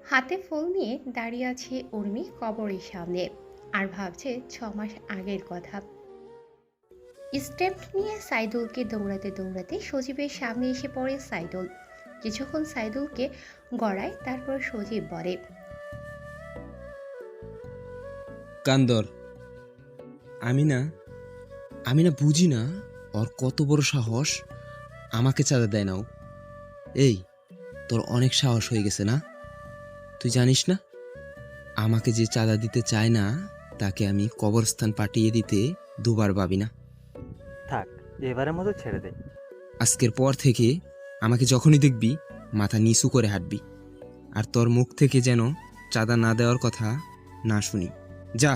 হাতে ফুল নিয়ে দাঁড়িয়ে আছে উর্মি কবরের সামনে আর ভাবছে 6 মাস আগের কথা। স্টেপ নিয়ে সাইদুলকে দৌড়াতে দৌড়াতে সজীবের সামনে এসে পড়ে সাইদুল। কিছুক্ষণ সাইদুলকে গড়ায়, তারপর সজীব বলে, কান্দর। আমি না আমি না বুঝি না ওর কত বড় সাহস। আমাকে চাঁদা দেয় না ও। এই, তোর অনেক সাহস হয়ে গেছে না? তুই জানিস না আমাকে যে চাঁদা দিতে চায় না তাকে আমি কবরস্থান পাঠিয়ে দিতে দুবার ভাবি না। থাক, এবারের মতো ছেড়ে দে। আজকের পর থেকে আমাকে যখনই দেখবি মাথা নিচু করে হাঁটবি, আর তোর মুখ থেকে যেন চাঁদা না দেওয়ার কথা না শুনি। যা।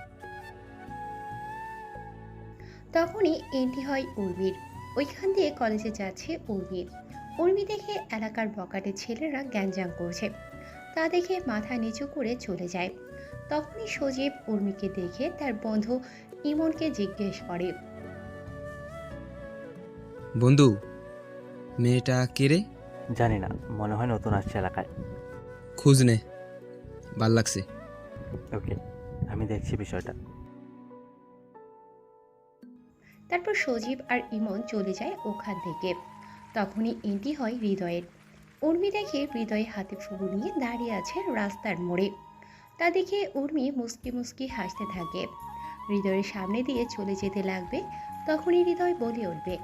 তখনই এন্ট্রি হয় উর্মির। ওইখান দিয়ে কলেজে যাচ্ছে উর্মি। উর্মি দেখে এলাকার বকাটে ছেলেরা গ্যাঞ্জাম করছে, তা দেখে মাথা নিচু করে চলে যায়। তখনই সজীব উর্মিকে দেখে তার বন্ধু ইমনকে জিজ্ঞেস করে, বন্ধু, মেয়েটা কে রে? জানি না, মনে হয় নতুন আসছে এলাকায়। খোঁজ নে, ভাল লাগছে। ওকে, আমি দেখছি বিষয়টা। তারপর সজীব আর ইমন চলে যায় ওখান থেকে। তখনই এন্ট্রি হয় হৃদয়ের। উর্মি দেখে হৃদয় হাতে ফুল নিয়ে দাঁড়িয়ে আছে রাস্তার মোড়ে। তা দেখে উর্মি মুস্কি মুস্কি হাসতে থাকে। হৃদয়ের সামনে দিয়ে চলে যেতে লাগবে, তখনই হৃদয় বলে উঠবে,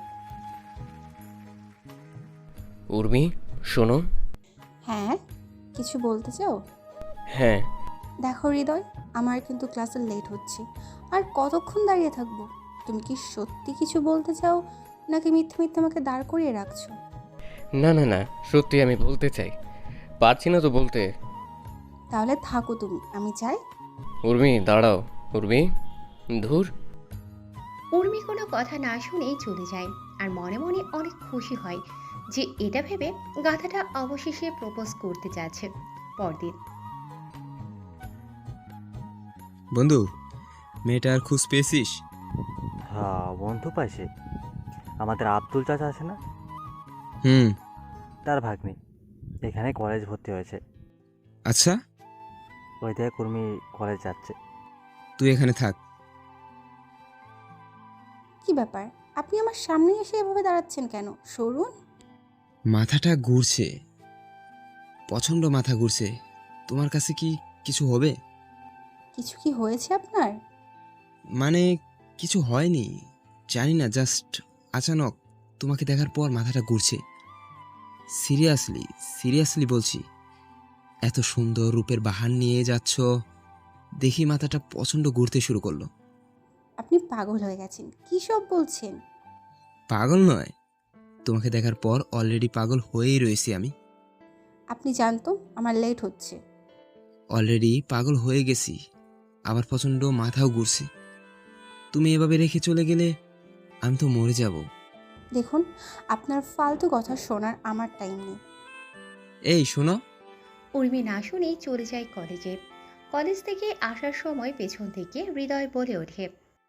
উর্মি, শোনো। হ্যাঁ, কিছু বলতে চাও? হ্যাঁ। দেখো হৃদয়, আমার কিন্তু ক্লাসে লেট হচ্ছে। আর কতক্ষণ দাঁড়িয়ে থাকবো? তুমি কি সত্যি কিছু বলতে চাও, নাকি মিথ্যে মিথ্যে আমাকে দাঁড় করিয়ে রাখছো? না না না, সত্যি আমি বলতে চাই, পারছি না তো বলতে। তাহলে থাকো তুমি, আমি যাই। উর্মি দাঁড়াও। উর্মি, ধুর। উর্মি কোনো কথা না শুনেই চলে যায়। আর মনে মনে অনেক খুশি হয় যে এটা ভেবে গাধাটা অবশেষে প্রপোজ করতে যাচ্ছে। পরদিন বন্ধু, মেয়েটার খোঁজ পেয়েছিস? হ্যাঁ, বন্ধু পাইছে। আমাদের আব্দুল চাচা আছে না, হুম। তার ভাগ্নি এখানে কলেজ ভর্তি হয়েছে। আচ্ছা, ওই থেকে কর্মী কলেজ যাচ্ছে। তুই এখানে থাক। কি ব্যাপার, আপনি আমার সামনে এসে এভাবে দাঁড়াচ্ছেন কেন? সরুন। মাথাটা ঘুরছে, প্রচণ্ড মাথা ঘুরছে। তোমার কাছে কি কিছু হবে? কিছু কি হয়েছে আপনার? মানে কিছু হয়নি, জানি না, জাস্ট আচানক তোমাকে দেখার পর মাথাটা ঘুরছে। সিরিয়াসলি সিরিয়াসলি বলছি, এত সুন্দর রূপের বাহার নিয়ে যাচ্ছ দেখি মাথাটা প্রচণ্ড ঘুরতে শুরু করলো। আপনি পাগল হয়ে গেছেন, কী সব বলছেন? পাগল নয়, তোমাকে দেখার পর অলরেডি পাগল হয়েই রয়েছি আমি। আপনি জানতো আমার লেট হচ্ছে। অলরেডি পাগল হয়ে গেছি, আবার প্রচণ্ড মাথাও ঘুরছে। তুমি এভাবে রেখে চলে গেলে আমি তো মরে যাব। দেখুন, আপনার ফালতু কথা শোনার আমার টাইম নেই। এই শোনো। উর্মি না শুনেই চলে যায় কলেজে। কলেজ থেকে আসার সময় পেছন থেকে হৃদয় বলে ওঠে,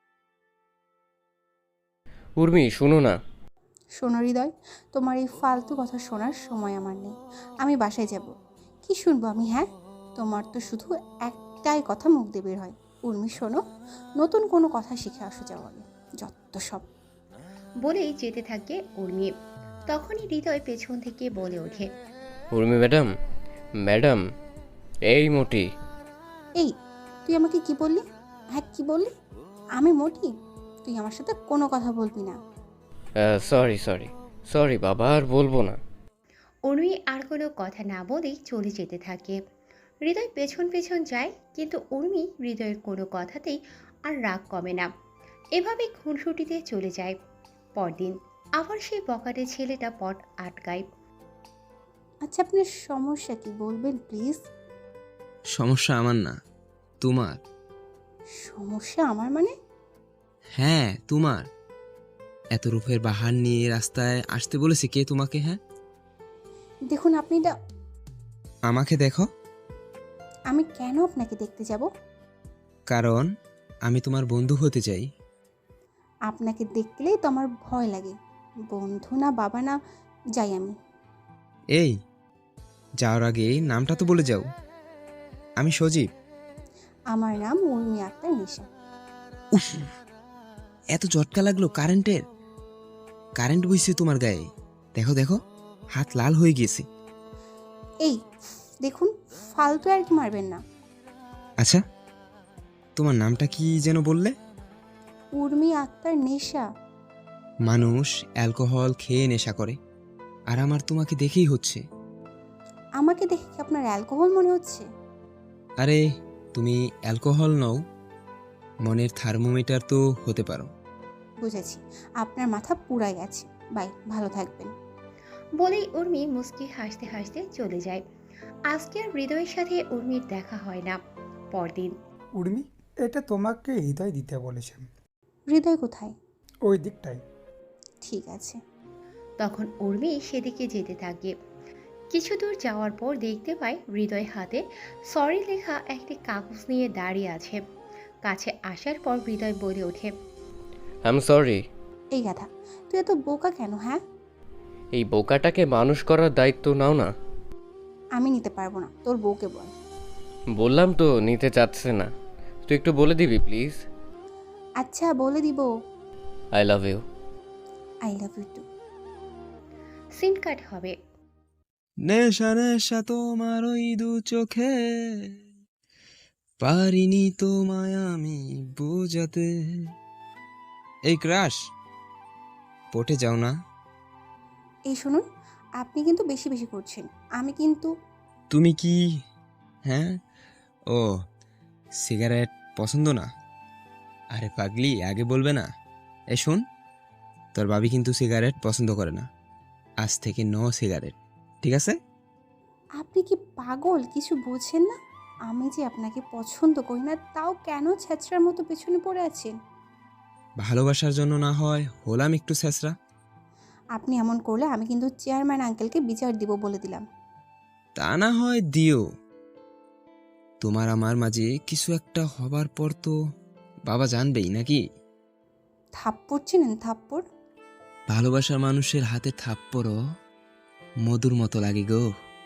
উর্মি, শোনো না। শোনো হৃদয়, তোমার এই ফালতু কথা শোনার সময় আমার নেই। আমি বাসায় যাব। কি শুনবো আমি? হ্যাঁ, তোমার তো শুধু একটাই কথা মুখ দিয়ে বের হয়, উর্মি শোনো, নতুন কোনো কথা শিখে আসো যাও আগে, যত সব। বলেই যেতে থাকে উর্মি। তখনই হৃদয় পেছন থেকে বলে ওঠে, উর্মি ম্যাডাম, ম্যাডাম, এই মোটি। এই, তুই আমাকে কি বললি? হ্যাঁ, কি বললি? আমি মোটি? তুই আমার সাথে কোনো কথা বলবি না। সরি সরি সরি বাবা, আর বলবো না। উর্মি আর কোনো কথা না বলেই চলে যেতে থাকে। হৃদয় পেছন পেছন যায়, কিন্তু উর্মি হৃদয়ের কোনো কথাতেই আর রাগ কমে না। এভাবে খুনসুটিতে চলে যায়। পরদিন আবার সেই বকাটে ছেলেটা পট আটকায়। আচ্ছা, আপনার সমস্যা কি বলবেন প্লিজ? সমস্যা আমার না, তোমার। সমস্যা আমার মানে? হ্যাঁ, তোমার। এত রূপের বাহার নিয়ে রাস্তায় আসতে বলেছে কে তোমাকে? হ্যাঁ, দেখুন, আপনি এটা। আমাকে দেখো। আমি কেন আপনাকে দেখতে যাব? কারণ আমি তোমার বন্ধু হতে চাই। আপনাকে দেখলেই তো আমার ভয় লাগে। বন্ধু না বাবা না, যাই আমি। এই, যাওয়ার আগে নামটা তো বলে যাও। আমি সজীব। আমার নাম উর্মি আক্তার নিশা। উফ, এত ঝটকা লাগলো কারেন্টের। কারেন্ট বইছে তোমার গায়ে। দেখো দেখো, হাত লাল হয়ে গেছে। এই দেখুন, ফালতু আর কি মারবেন না। আচ্ছা, তোমার নামটা কি যেন বললে? উর্মি আক্তার নেশা। মানুষ অ্যালকোহল খেয়ে নেশা করে, আর আমার তোমাকে দেখেই হচ্ছে। আমাকে দেখে কি আপনার অ্যালকোহল মনে হচ্ছে? আরে তুমি অ্যালকোহল নও, মনের থার্মোমিটার তো হতে পারো। বুঝেছি, আপনার মাথা পুরাই গেছে। বাই, ভালো থাকবেন। বলেই উর্মি মুচকি হাসতে হাসতে চলে যায়। আজকে আর হৃদয়ের সাথে উর্মির দেখা হয় না। পরদিন উর্মি, এটা তোমাকে হৃদয় দিতে বলেছেন। হৃদয় কোথায়? ওই দিকটায়। ঠিক আছে। তখন উর্মি সেদিকে যেতে থাকে। কিছু দূর যাওয়ার পর দেখতে পায় হৃদয় হাতে সরি লেখা একটি কাগজ নিয়ে দাঁড়িয়ে আছে। কাছে আসার পর হৃদয় বলে ওঠে, আই এম সরি। এই গাধা, তুই এত বোকা কেন? হ্যাঁ, এই বোকাটাকে মানুষ করার দায়িত্ব নাও না। আমি নিতে পারবো না, তোর বউকে বল। বললাম তো নিতে চাচ্ছে না। তুই একটু বলে দিবি প্লিজ? আচ্ছা, বলে দিব। I love you. I love you too. Scene cut হবে। নেশা নেশা তোমার ওই দু চোখে, পারিনি তোমায় আমি বোঝাতে। এই ক্রাশ, পটে যাও না। এই শুনুন, আপনি কিন্তু বেশি বেশি করছেন। আমি কিন্তু তুমি কি, হ্যাঁ, ও সিগারেট পছন্দ না? আরে পাগলি, আগে বলবে না? এ শোন, তোর ভাবি কিন্তু সিগারেট পছন্দ করে না। আজ থেকে নো সিগারেট, ঠিক আছে? আপনি কি পাগল? কিছু বোঝেন না? আমি যে আপনাকে পছন্দ করি না, তাও কেন ছেঁচড়ার মতো পেছনে পড়ে আছেন? ভালোবাসার জন্য না হয় হলাম একটু ছেঁচড়া। আপনি এমন করলে আমি কিন্তু চেয়ারম্যান আঙ্কেলকে বিচার দিব, বলে দিলাম। তা না হয় দিও, তোমার আমার মাঝে কিছু একটা হবার পর তো বাবা জানবেই নাকি? থাপ্পড় চিনেন? থাপ্পড়? ভালোবাসার মানুষের হাতে থাপ্পড়ও মধুর মতো লাগে গো।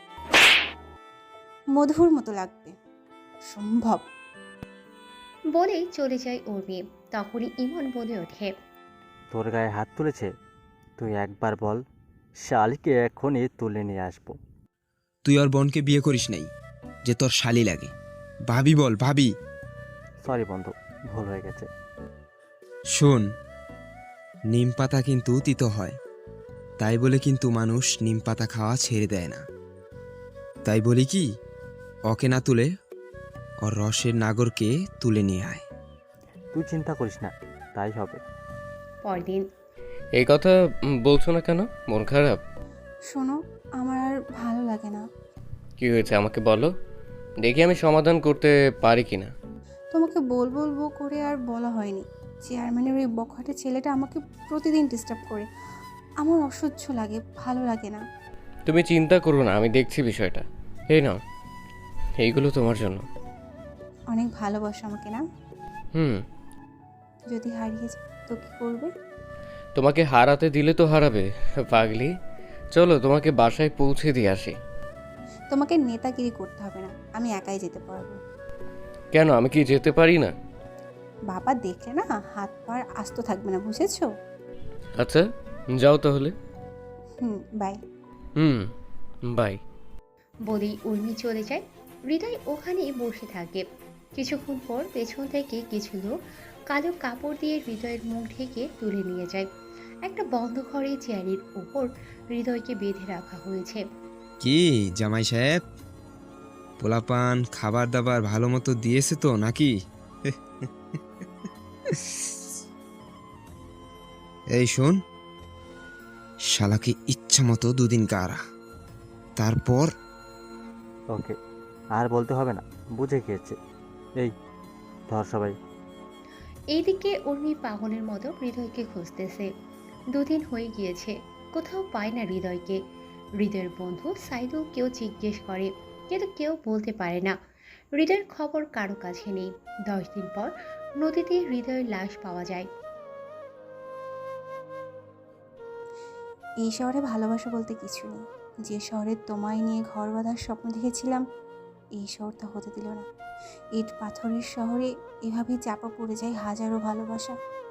মধুর মতো লাগবে সম্ভব। বলেই চলে যায় উর্মি। তখনই ইমন বলে ওঠে, তোর গায়ে হাত তুলেছে? তুই একবার বল, শালিকে এখনই তুলে নিয়ে আসবো। তুই ওর বোনকে বিয়ে করিস নাই যে তোর শালি লাগে। ভাবি বল, ভাবি। সরি বন্ধু, ভুল হয়ে গেছে। শোন, নিম পাতা কিন্তু তিতো হয়, তাই বলে কিন্তু মানুষ নিম পাতা খাওয়া ছেড়ে দেয় না। তাই বলি কি, ওকে না তুলে ওর রসের নাগরকে তুলে নিয়ে আয়। তুই চিন্তা করিস না, তাই হবে। পরদিন এই কথা বলছো না কেন? মন খারাপ? শোনো, আমার আর ভালো লাগে না। কি হয়েছে আমাকে বলো, দেখি আমি সমাধান করতে পারি কিনা। তোমাকে বলবো করে আর বলা হয়নি। চেয়ারম্যানের ওই বখাটে ছেলেটা আমাকে প্রতিদিন ডিস্টার্ব করে। আমার অসহ্য লাগে, ভালো লাগে না। তুমি চিন্তা করো না, আমি দেখছি বিষয়টা। এই নাও, এইগুলো তোমার জন্য। অনেক ভালোবাসো আমাকে না? হুম। যদি হারিয়ে যায় তো কি করবে? তোমাকে হারাতে দিলে তো হারাবে পাগলি। চলো তোমাকে বাসায় পৌঁছে দিয়ে আসি। তোমাকে নেতাগিরি করতে হবে না, আমি একাই যেতে পারবো। কেন, আমি কি যেতে পারি না? বাবা দেখলে না হাত পা আস্ত থাকবে না, বুঝেছো? আচ্ছা, যাও তাহলে। বাই। হুম, বাই। বলেই উর্মি চলে যায়। হৃদয় ওখানেই বসে থাকে। কিছুক্ষণ পর পেছন থেকে কিছু লোক কালো কাপড় দিয়ে হৃদয়ের মুখ ঢেকে তুলে নিয়ে যায়। একটা বন্ধ ঘরে চেয়ারের উপর হৃদয়কে বেঁধে রাখা হয়েছে। কি জামাই সাহেব, পোলাপান খাবার দাবার ভালো মতো দিয়েছে তো নাকি? এই শোন, শালাকে ইচ্ছা মতো দুদিন গাড়া, তারপর ওকে, আর বলতে হবে না, বুঝে গিয়েছে। এই ধর সবাই। এইদিকে উর্মি পাগলের মতো হৃদয়কে খুঁজতেছে। 2 দিন হয়ে গিয়েছে, কোথাও পায় না হৃদয়কে। হৃদয়ের বন্ধু সাইদুল কেউ জিজ্ঞেস করে, কিন্তু কেউ বলতে পারে না। হৃদয়ের খবর কারো কাছে নেই। 10 দিন পর নদীতে হৃদয়ের লাশ পাওয়া যায়। এই শহরে ভালোবাসা বলতে কিছু নেই। যে শহরে তোমায় নিয়ে ঘর বাঁধার স্বপ্ন দেখেছিলাম, এই শহরটা হতে দিল না। ইট পাথরের শহরে এভাবেই চাপা পড়ে যায় হাজারো ভালোবাসা।